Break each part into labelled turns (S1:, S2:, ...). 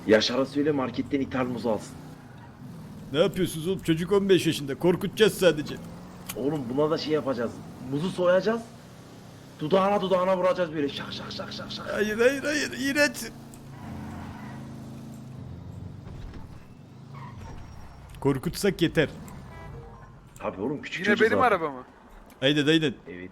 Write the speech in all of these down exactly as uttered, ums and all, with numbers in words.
S1: Yaşar'a söyle marketten ithal muz alsın.
S2: Ne yapıyorsunuz oğlum? Çocuk on beş yaşında. Korkutacağız sadece.
S1: Oğlum buna da şey yapacağız. Muzu soyacağız. Dudağına dudağına vuracağız böyle şak şak şak şak şak.
S2: Hayır hayır hayır. İğrenç. Korkutsak yeter.
S1: Tabii oğlum küçük
S3: Yine
S1: çocuk
S3: benim
S1: zaten.
S3: arabamı.
S2: Aynen aynen.
S1: Evet.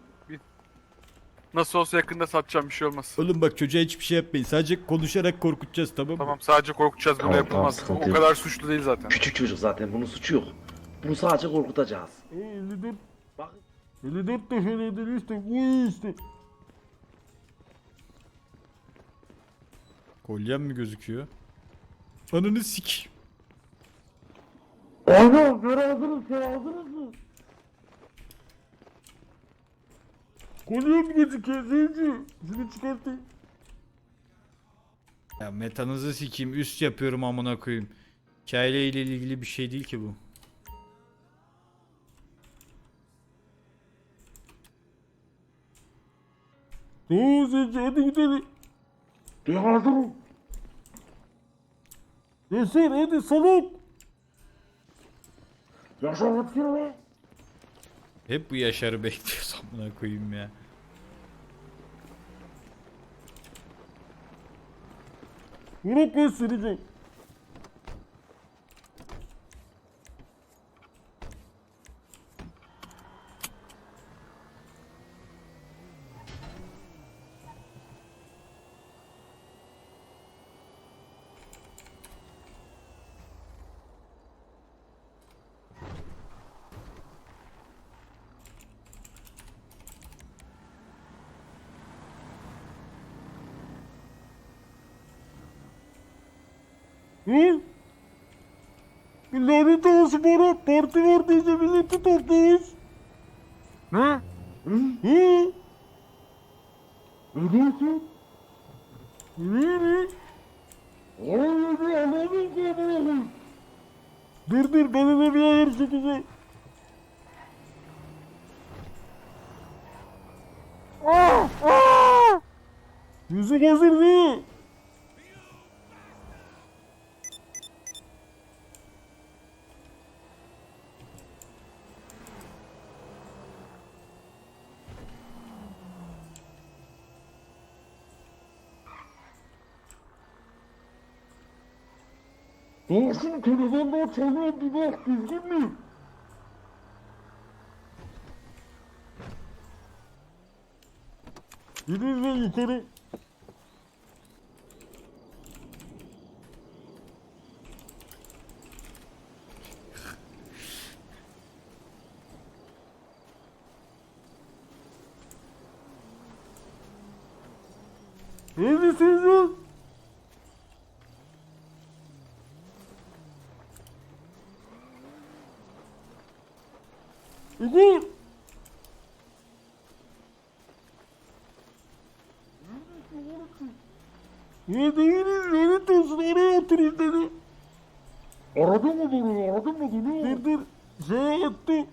S3: Nasıl olsa yakında satacağım, bir şey olmaz.
S2: Oğlum bak çocuğa hiçbir şey yapmayın. Sadece konuşarak korkutacağız, tamam mı?
S3: Tamam, sadece korkutacağız, bunu
S1: Tamam,
S3: yapılmaz.
S1: tamam, sıkıntı
S3: O
S1: yok.
S3: kadar suçlu değil zaten.
S1: Küçük çocuk zaten bunun suçu yok. Bunu sadece korkutacağız.
S2: elli dört,
S1: Bak.
S2: elli dört defa işte bu işte. Kolyem mi gözüküyor? Ananı sik.
S1: Ana ben hazırım sen hazırız mı?
S2: Kolyem gözüküyor Zenci. Şunu çıkartayım. Ya metanızı sikeyim, üst yapıyorum amına koyayım. Hikaye ile ilgili bir şey değil ki bu. Oo Zenci hadi gidelim.
S1: Ben hazırım.
S2: Yaşar hadi salak.
S1: Yaşar yapıyor be.
S2: Hep bu Yaşar'ı bekliyoruz amına koyayım ya. Bırak ben süreceğim. Hı? Bir lanet olsun bana. Parti var diye milleti topluyoruz.
S3: Ne?
S2: Hı?
S1: Ne diyorsun?
S2: Ne ne?
S1: Oğlum bir anladın ki oğlum.
S2: Dur dur bana da bir ayar çekeceğim. Ah! Ah! Müzik hazır değil.
S1: Olsun telefonda çalıyor bir bak düzgün mü?
S2: Gidin lan yukarı. Neredesiniz lan? Igor! Ya değiliz, lanet olsun oraya oturayım dedi.
S1: Aradın mı bunu? Aradın mı bunu?
S2: Dur dur, şey attı.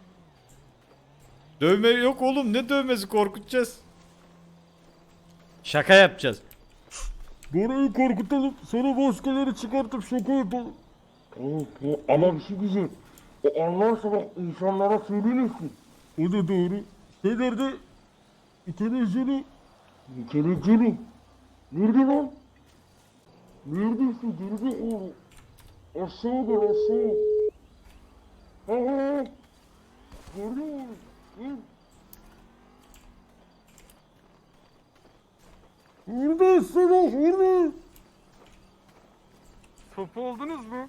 S2: Dövme yok oğlum, ne dövmesi, korkutacağız. Şaka yapacağız. Bora'yı korkutalım, sonra maskeleri çıkartıp şaka yapalım.
S1: Tamam, tamam. Ama bir şey diyeceğim. O anlarsa bak insanlara söylemesin.
S2: O da doğru. Şey nerede? Televizyonu.
S1: Kelepçeli. Nerede lan? Neredesin? Geride oğlum. Aşağı gel aşağı. Ha ha ha. Gördün mü? Hı?
S2: Burada salak, burada.
S3: Sopa oldunuz mu?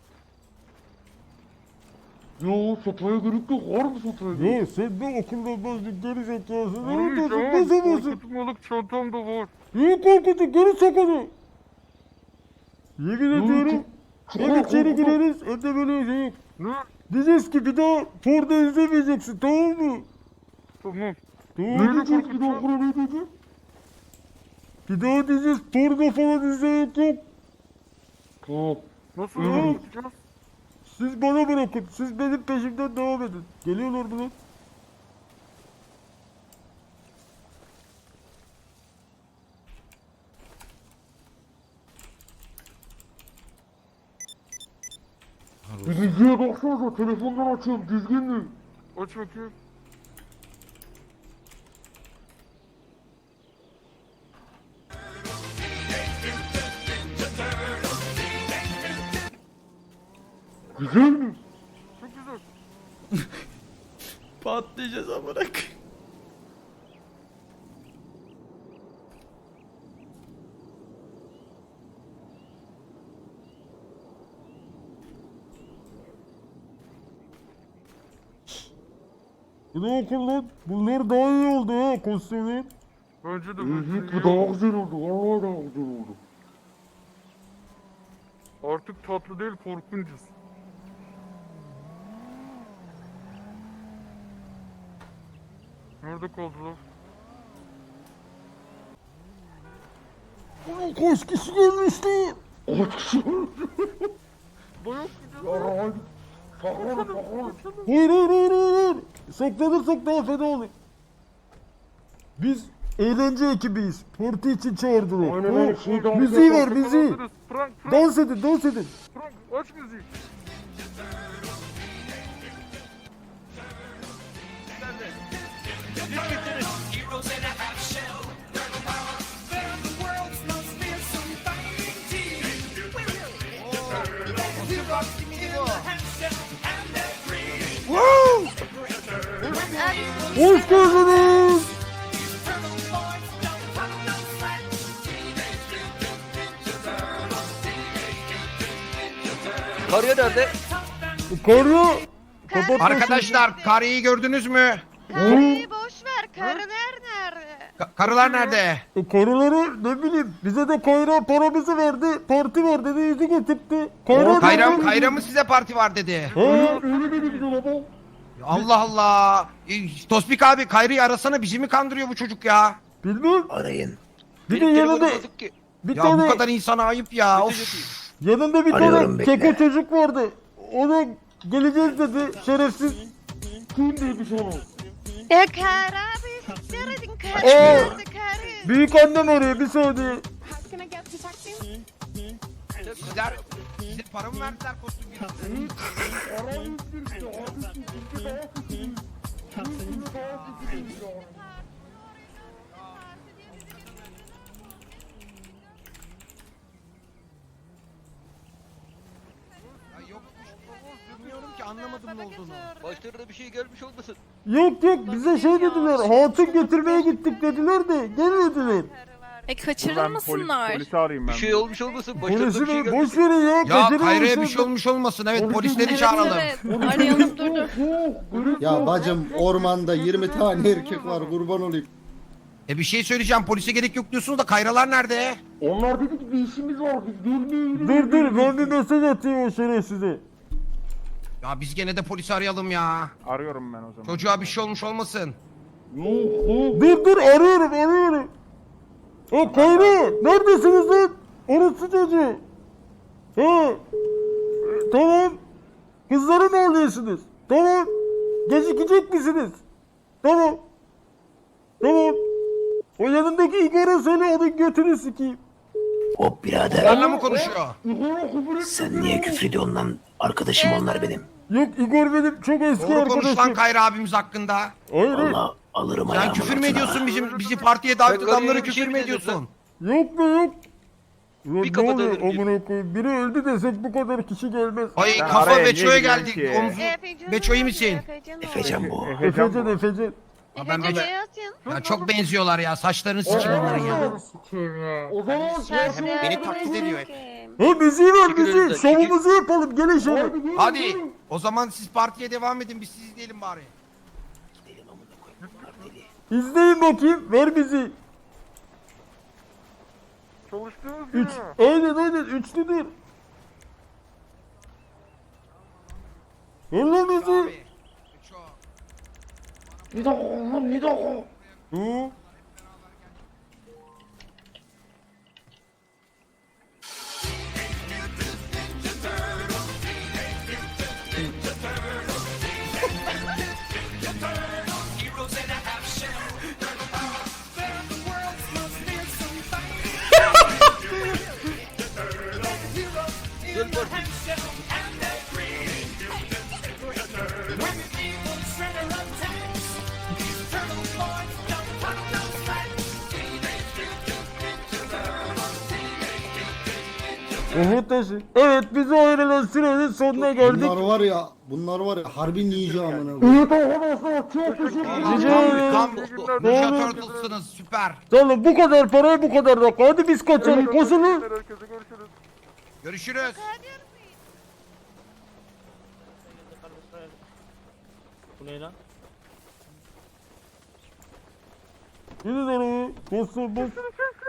S1: Yo sopaya gerek yok. Var mı sopaya gerek?
S2: Ya sen ne okulda bozdun geri zekası?
S3: Ay,
S2: Nerede olsun?
S3: tamam,
S2: Ne zamansı?
S3: korkutmalık çantamda var.
S2: Niye korkutun? Geri sakalı. Yemin ediyorum. Hem içeri gireriz hem de böyle şey yok.
S3: Ne?
S2: Diyeceğiz ki bir daha Ford'u izlemeyeceksin, tamam mı?
S3: Tamam.
S2: Tamam
S3: Nerede
S2: diyeceğiz, bir daha
S3: korkutacağım?
S2: okula ne diyeceğiz? Bir daha diyeceğiz Ford'u falan izlemek yok.
S1: Tamam.
S3: Nasıl
S2: Hı.
S3: korkutacağız?
S2: Siz bana bırakın, siz benim peşimden devam edin. Geliyorlar mı lan?
S1: Bir müziğe baksanıza, telefondan açıyorum, düzgün mü?
S3: Aç bakayım.
S1: Güzel mi?
S3: Çok güzel.
S2: Patlayacağız amına koyayım. Bu ne okul lan? Bunlar daha iyi oldu ha kostümü.
S3: Bence de
S1: Evet,
S3: bu
S1: bu daha güzel oldu, vallahi daha güzel oldu.
S3: Artık tatlı değil, korkuncuz. Nerede kaldılar?
S2: Ulan kaç kişi gelmişti?
S1: Kaç kişi?
S3: Dayak
S1: Ya hadi. Saklanın, saklanın.
S2: Hayır hayır hayır hayır. Saklanırsak daha fena olur. Biz eğlence ekibiyiz. Parti için çağırdılar.
S1: Aynen
S2: Ha,
S1: öyle, şey dans
S2: müziği ver
S1: yapalım.
S2: müziği.
S3: Frank, Frank,
S2: Dans edin dans edin.
S3: Frank, aç müziği.
S4: Heroes in a half shell. They're the world's most fearsome fighting team. Heroes in a half shell and they're green.
S2: Hoş geldiniz.
S4: Turtle boys don't come no slack.
S5: Karıya nerede?
S2: Karı. Kapat
S6: Arkadaşlar karıyı gördünüz mü?
S7: Karıyı boş ver. Karı nerede?
S6: Ka- karılar nerede?
S2: E, karıları ne bileyim bize de Kayra paramızı verdi. Parti var dedi yüzü getirtti. Kayra
S6: Kayra, Kayra mı size parti var dedi?
S2: Ha,
S1: Öyle dedi bize baba.
S6: Allah Allah. E, Tospik abi Kayra'yı arasana, bizi mi kandırıyor bu çocuk ya?
S2: bilmem.
S5: Arayın.
S2: Bir de
S5: Benim
S2: yanında
S5: telefonum bozuk ki.
S2: bir
S6: Ya
S2: tane
S6: bu kadar insana ayıp ya. Of.
S2: yanında bir
S5: Arıyorum,
S2: tane
S5: bekle.
S2: keko çocuk vardı. Ona geleceğiz dedi şerefsiz.
S1: Kim dedi sana?
S7: Ya karı abi siktir edin. Karı
S2: Ee,
S7: nerede karı?
S2: Büyük annem arıyor bir saniye.
S6: Sizler, size para mı verdiler kostüm gibi?
S1: Arayın işte, abisi, bizde daha kötüyüz. Bizde daha kötüyüz ya.
S6: Ya yok, bilmiyorum ki, anlamadım ne olduğunu.
S5: Başlarına bir şey gelmiş olmasın.
S2: Yok yok bize şey dediler hatun getirmeye gittik dediler de gelmediler.
S7: E kaçırılmasınlar.
S3: Polisi arayayım
S5: Bir
S3: ben.
S5: şey olmuş olmasın. Başlarına
S2: Polisi
S5: bir şey
S2: mi?
S5: gelmiş.
S2: Boş verin ya.
S6: Ya
S2: kaçırılmış
S6: Kayra'ya bir
S2: oldu.
S6: şey olmuş olmasın. Evet, polisleri
S7: Evet,
S6: çağıralım.
S7: evet. Arayalım dur dur.
S1: Yok, böyle
S8: Ya
S1: yok.
S8: bacım ormanda yirmi tane erkek var kurban olayım.
S6: E bir şey söyleyeceğim, polise gerek yok diyorsunuz da Kayralar nerede?
S1: Onlar dedi ki bir işimiz var, biz gelmeyelim.
S2: Dur dur ben bir mesaj atayım o şerefsize.
S6: Ya biz gene de polisi arayalım ya.
S3: Arıyorum ben o zaman.
S6: Çocuğa bir şey olmuş olmasın.
S1: Yok, yok.
S2: Dur dur arıyorum arıyorum. O Kayra neredesiniz lan? Orası çocuğu. He. Tamam. Kızları mı alıyorsunuz? Tamam. Gecikecek misiniz? Tamam. Tamam. O yanındaki Igor'a söyle onun götünü sikeyim.
S5: Hop birader.
S6: Onlarla mı konuşuyor?
S1: Igor'a küfür etme.
S5: Sen niye küfür ediyorsun lan? Arkadaşım onlar benim.
S2: Yok Igor benim çok eski
S6: Doğru konuş lan
S2: arkadaşım.
S6: Kayra abimiz hakkında.
S2: Hayır hayır.
S5: Valla alırım
S6: Sen
S5: ayağımın
S6: küfür mü
S5: altına.
S6: ediyorsun bizim bizi partiye davet
S5: Ben
S6: adamları
S5: karıya bir
S6: küfür
S5: şey
S6: mü
S5: mi dedim
S6: ediyorsun?
S2: Yok be yok. Ulan
S5: Bir
S2: ne
S5: kafa
S2: oluyor
S5: dönünce.
S2: amına koyayım? Biri öldü desek bu kadar kişi gelmez.
S6: Ay
S3: Ben
S6: kafa
S3: araya
S6: Beço'ya
S3: niye
S6: geldik.
S3: giriyorsun ki?
S6: Omzu.
S7: Efecan
S6: Beço iyi
S7: nerede?
S6: misin?
S7: Efecan
S5: Efecan bu.
S3: Efecan
S2: Efecan
S3: bu.
S2: Efecan.
S6: Ya ben
S7: Efecan
S6: böyle-
S7: yatın.
S6: Ya çok benziyorlar ya, saçlarını sikeyim onların ya.
S1: O zaman çarşamba
S6: Beni taklit ediyor hep.
S2: He müziği ver
S5: Çekil
S2: müziği.
S5: önümden, çekil.
S2: Şovumuzu yapalım gelin şöyle.
S6: Hadi o zaman siz partiye devam edin, biz siz izleyelim bari.
S5: Gidelim amına koyayım. Partili.
S2: İzleyin bakayım. Ver müziği.
S3: Çalıştığınız
S2: Üç.
S3: gibi.
S2: Aynen aynen. Üçlüdür. Ver lan müziği.
S6: Abi. Beço.
S1: Bir dakika oğlum, bir dakika.
S2: Hı.
S4: Heroes in a half shell. They're the world's most fearsome fighting team. Heroes in a half shell and they're green.
S2: Umut taşı. Evet bize ayrılan sürenin sonuna geldik.
S8: Bunlar var ya, bunlar var ya harbi ninja amına koyayım.
S1: Evet arkadaşlar çok teşekkür ederim.
S2: Rica
S6: Tam,
S2: ederim.
S6: tam
S3: İyi günler.
S6: Ninja
S2: Ne olur.
S6: Turtles'ınız süper.
S2: Tamam bu kadar paraya bu kadar dakika. Hadi biz kaçalım. Koşalım.
S3: Herkese görüşürüz.
S6: Görüşürüz.
S2: Yürü nereye? Koşsun bas.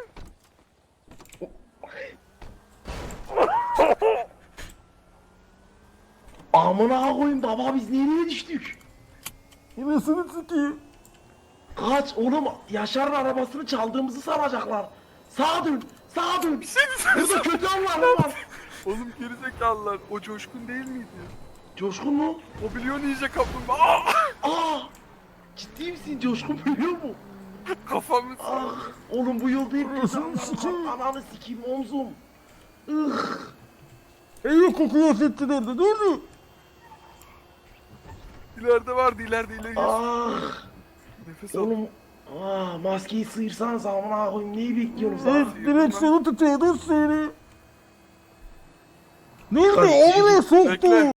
S1: Amına koyayım baba biz nereye düştük?
S2: Yemesini sikeyim.
S1: Kaç oğlum Yaşar'ın arabasını çaldığımızı sanacaklar. Sağa dön, sağa dön. Burada kötü anlar var.
S3: Oğlum gerizekalılar. O Coşkun değil miydi?
S1: Coşkun mu?
S3: O biliyor ninja kaplumbağa. Aa!
S1: Aa! Ciddi misin Coşkun biliyor mu?
S3: Kafamı
S1: Ah! Oğlum bu yol değil mi?
S2: Anasını sikeyim.
S1: Ananı sikeyim omzum. Ih!
S2: İyi kokuyor affetti nerede? Nerede?
S3: ileride vardı ileride ileri.
S1: Ah!
S3: Nefes al.
S1: Oğlum ah, maskeyi sıyırsanız amına koyayım neyi bekliyorsunuz
S2: Evet
S1: ah?
S2: direksiyonu tutuyordu seni. Nerede?
S1: Kaç-
S2: Oraya soktu.
S3: Bekle.